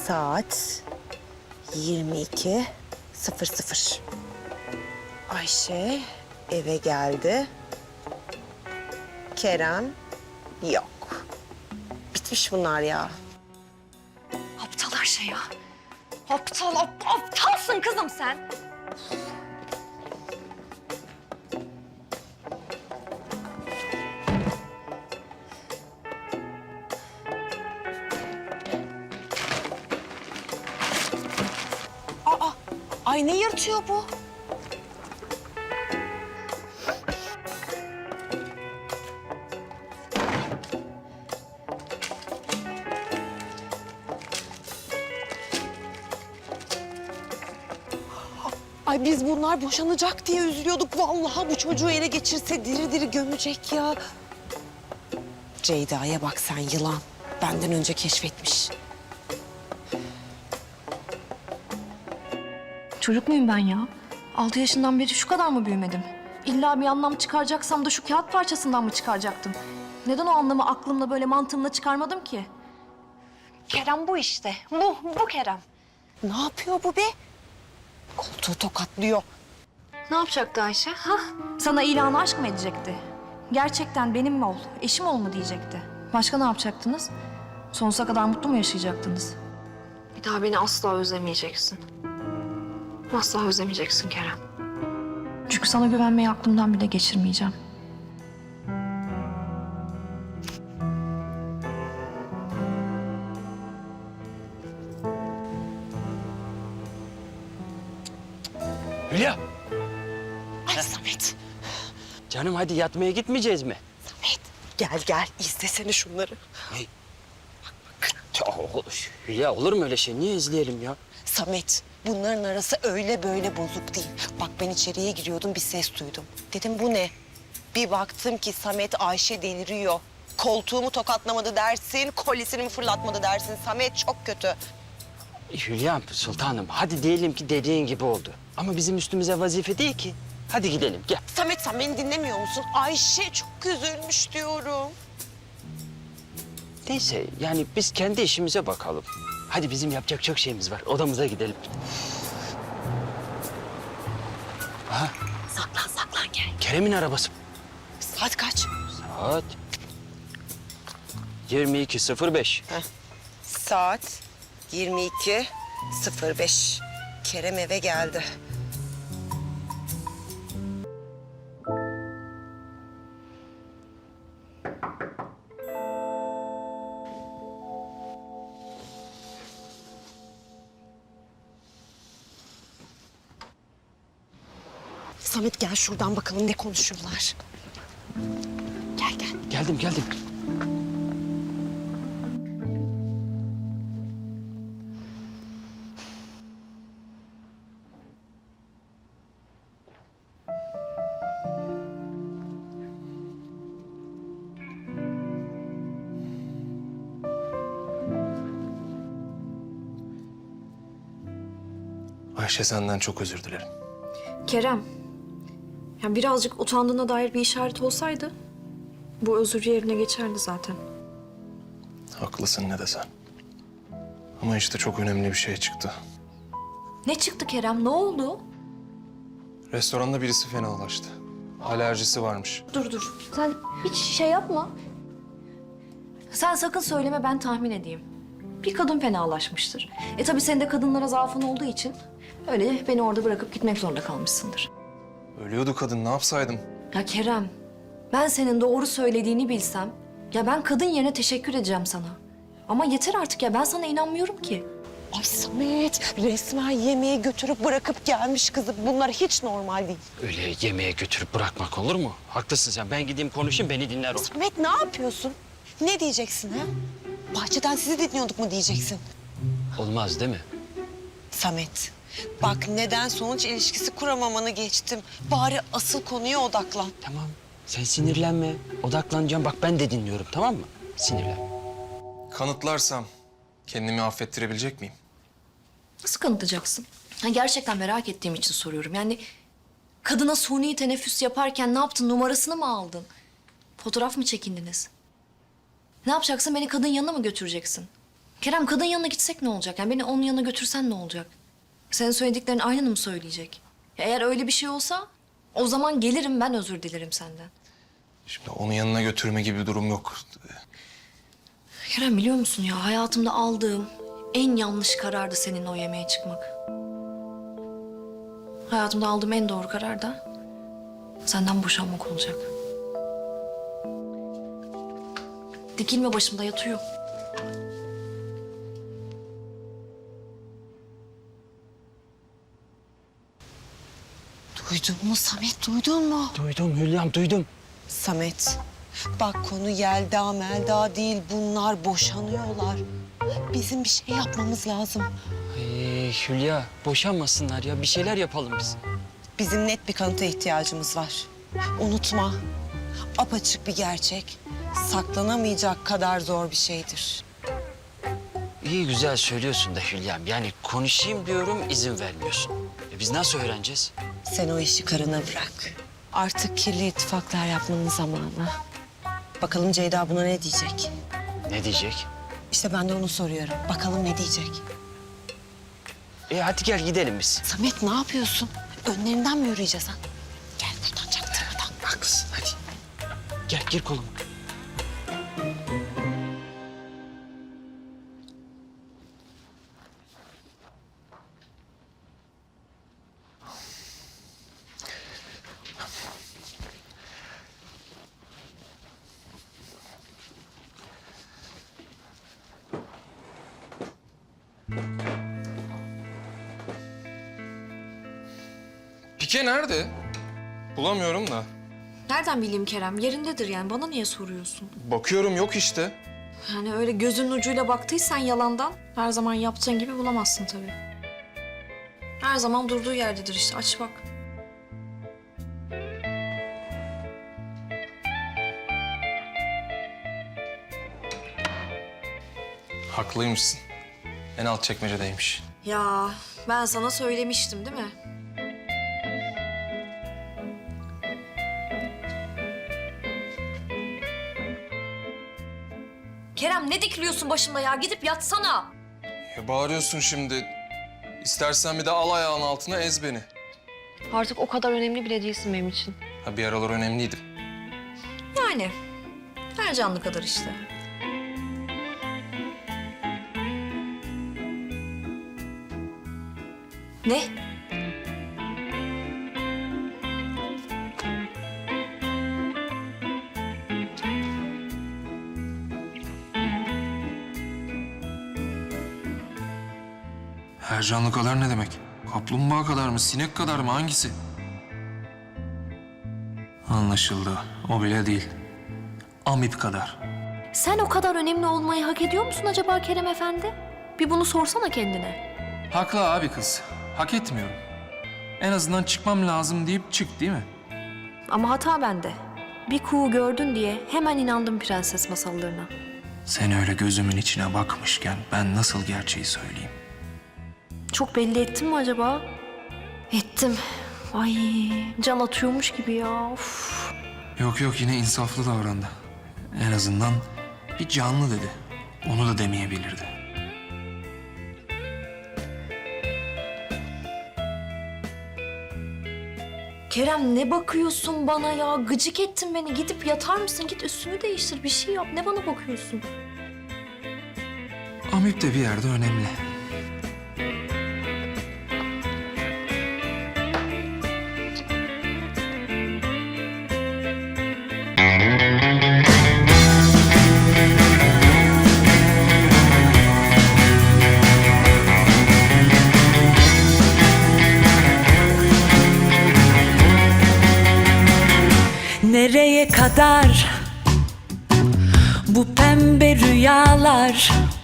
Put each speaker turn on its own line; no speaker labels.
Saat 22:00. Ayşe eve geldi. Kerem yok. Bitmiş bunlar ya.
Aptal Ayşe ya. Aptalsın kızım sen.
Ay ne yırtıyor bu? Ay biz bunlar boşanacak diye üzülüyorduk. Vallahi bu çocuğu ele geçirse diri diri gömecek ya. Ceyda'ya bak sen yılan. Benden önce keşfetmiş.
Çocuk muyum ben ya? 6 yaşından beri şu kadar mı büyümedim? İlla bir anlam çıkaracaksam da şu kağıt parçasından mı çıkaracaktım? Neden o anlamı aklımla böyle mantığımla çıkarmadım ki? Kerem bu işte. Bu Kerem.
Ne yapıyor bu be? Koltuğu tokatlıyor.
Ne yapacaktı Ayşe? Sana ilanı aşk mı edecekti? Gerçekten benim mi ol, eşim ol mu diyecekti? Başka ne yapacaktınız? Sonsuza kadar mutlu mu yaşayacaktınız? Bir daha beni asla özlemeyeceksin. Asla özlemeyeceksin Kerem. Çünkü sana güvenmeyi aklımdan bile geçirmeyeceğim.
Hülya,
Ay Samet.
canım hadi yatmaya gitmeyeceğiz mi?
Samet. Gel izlesene şunları.
Ya, Hülya olur mu öyle şey? Niye izleyelim ya?
Samet, bunların arası öyle böyle bozuk değil. Bak ben içeriye giriyordum, bir ses duydum. Dedim bu ne? Bir baktım ki Samet Ayşe deliriyor. Koltuğumu tokatlamadı dersin, kolyesini mi fırlatmadı dersin. Samet çok kötü.
Hülya sultanım hadi diyelim ki dediğin gibi oldu. Ama bizim üstümüze vazife değil ki. Hadi gidelim gel.
Samet sen beni dinlemiyor musun? Ayşe çok üzülmüş diyorum.
Neyse yani biz kendi işimize bakalım. Hadi bizim yapacak çok şeyimiz var. Odamıza gidelim. Aha
Saklan gel.
Kerem'in arabası.
Saat kaç?
Saat 22:05.
Saat 22:05. Kerem eve geldi. Samet gel şuradan bakalım ne konuşuyorlar. Gel.
Geldim.
Ayşe senden çok özür dilerim.
Kerem, ya birazcık utandığına dair bir işaret olsaydı bu özür yerine geçerdi zaten.
Haklısın ne desen. Ama işte çok önemli bir şey çıktı.
Ne çıktı Kerem? Ne oldu?
Restoranda birisi fenalaştı. Alerjisi varmış.
Dur. Sen hiç şey yapma. Sen sakın söyleme, ben tahmin edeyim. Bir kadın fenalaşmıştır. Tabii senin de kadınlara zaafın olduğu için öyle beni orada bırakıp gitmek zorunda kalmışsındır.
Ölüyordu kadın, ne yapsaydım?
Ya Kerem, ben senin doğru söylediğini bilsem, ya ben kadın yerine teşekkür edeceğim sana. Ama yeter artık ya, ben sana inanmıyorum ki.
Ay Samet resmen yemeğe götürüp bırakıp gelmiş kızı. Bunlar hiç normal değil.
Öyle yemeğe götürüp bırakmak olur mu? Haklısın sen. Ben gideyim konuşayım beni dinler o.
Samet ne yapıyorsun? Ne diyeceksin ha? Bahçeden sizi dinliyorduk mu diyeceksin?
Olmaz değil mi?
Samet bak neden sonuç ilişkisi kuramamanı geçtim. Bari asıl konuya odaklan.
Tamam. Sen sinirlenme. Odaklanacağım. Bak ben de dinliyorum tamam mı? Sinirlenme.
Kanıtlarsam kendimi affettirebilecek miyim?
Nasıl kanıtlayacaksın? Gerçekten merak ettiğim için soruyorum. Yani kadına suni teneffüs yaparken ne yaptın? Numarasını mı aldın? Fotoğraf mı çekindiniz? Ne yapacaksın? Beni kadın yanına mı götüreceksin? Kerem kadın yanına gitsek ne olacak? Yani beni onun yanına götürsen ne olacak? Senin söylediklerin aynını mı söyleyecek? Ya eğer öyle bir şey olsa o zaman gelirim ben özür dilerim senden.
Şimdi onun yanına götürme gibi bir durum yok.
Kerem biliyor musun ya hayatımda aldığım en yanlış karardı seninle o yemeğe çıkmak. Hayatımda aldığım en doğru karar da senden boşanmak olacak. Dikilme başımda yatıyor.
Duydun mu Samet, duydun mu?
Duydum Hülya'm, duydum.
Samet, bak konu Yelda Melda değil, bunlar boşanıyorlar. Bizim bir şey yapmamız lazım.
Hülya, boşanmasınlar ya. Bir şeyler yapalım biz.
Bizim net bir kanıta ihtiyacımız var. Unutma, apaçık bir gerçek. Saklanamayacak kadar zor bir şeydir.
İyi güzel söylüyorsun da Hülya'm. Yani konuşayım diyorum, izin vermiyorsun. Biz nasıl öğreneceğiz?
Sen o işi karına bırak. Artık kirli ittifaklar yapmanın zamanı. Bakalım Ceyda buna ne diyecek?
Ne diyecek?
İşte ben de onu soruyorum. Bakalım ne diyecek?
Hadi gel gidelim biz.
Samet ne yapıyorsun? Önlerinden mi yürüyeceğiz ha? Gel buradan çaktırmadan.
Haklısın, hadi. Gel, gir koluma.
Pike nerede? Bulamıyorum da.
Nereden bileyim Kerem? Yerindedir yani. Bana niye soruyorsun?
Bakıyorum yok işte.
Yani öyle gözünün ucuyla baktıysan yalandan her zaman yaptığın gibi bulamazsın tabii. Her zaman durduğu yerdedir işte. Aç bak.
Haklıymışsın. En alt çekmecedeymiş.
Ya ben sana söylemiştim değil mi? Kerem ne dikiliyorsun başımda ya? Gidip yatsana.
Ya bağırıyorsun şimdi. İstersen bir de al ayağın altına ez beni.
Artık o kadar önemli bile değilsin benim için.
Ha bir aralar önemliydim.
Yani her canlı kadar işte. Ne?
Her canlı kadar ne demek? Kaplumbağa kadar mı, sinek kadar mı, hangisi? Anlaşıldı. O bile değil. Amip kadar.
Sen o kadar önemli olmayı hak ediyor musun acaba Kerem Efendi? Bir bunu sorsana kendine.
Haklı abi kız. Hak etmiyorum. En azından çıkmam lazım deyip çık değil mi?
Ama hata bende. Bir kuğu gördün diye hemen inandım prenses masallarına.
Sen öyle gözümün içine bakmışken ben nasıl gerçeği söyleyeyim?
Çok belli ettim mi acaba? Ettim. Ay can atıyormuş gibi ya. Of.
Yok yok yine insaflı davrandı. En azından bir canlı dedi. Onu da demeyebilirdi.
Kerem ne bakıyorsun bana ya? Gıcık ettin beni. Gidip yatar mısın? Git üstünü değiştir. Bir şey yap. Ne bana bakıyorsun?
Amip de bir yerde önemli.
Nereye kadar bu pembe rüyalar?